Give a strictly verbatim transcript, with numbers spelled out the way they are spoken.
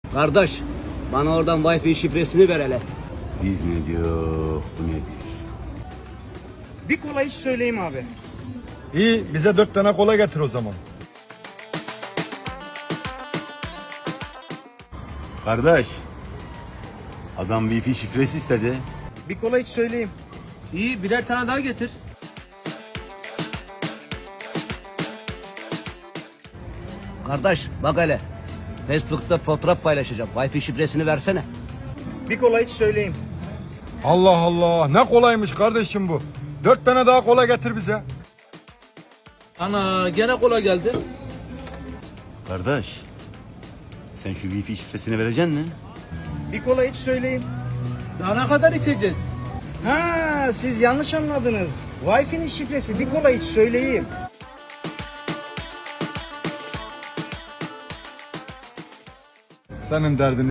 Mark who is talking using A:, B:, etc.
A: Kardeş, bana oradan Wi-Fi şifresini ver hele.
B: Biz ne diyor, bu ne diyor?
C: Bir kola iç söyleyeyim abi.
D: İyi, bize dört tane kola getir o zaman.
B: Kardeş, adam Wi-Fi şifresi istedi.
C: Bir kola iç söyleyeyim.
A: İyi, birer tane daha getir. Kardeş, bak hele. Facebook'ta fotoğraf paylaşacağım. Wi-Fi şifresini versene.
C: Bir kola iç söyleyeyim.
D: Allah Allah, ne kolaymış kardeşim bu. Dört tane daha kola getir bize.
E: Ana gene kola geldi.
B: Kardeş, sen şu Wi-Fi şifresini vereceksin mi?
C: Bir kola iç söyleyeyim.
E: Daha ne kadar içeceğiz?
C: Ha, siz yanlış anladınız. Wi-Fi'nin şifresi bir kola iç söyleyeyim.
D: Senin derdini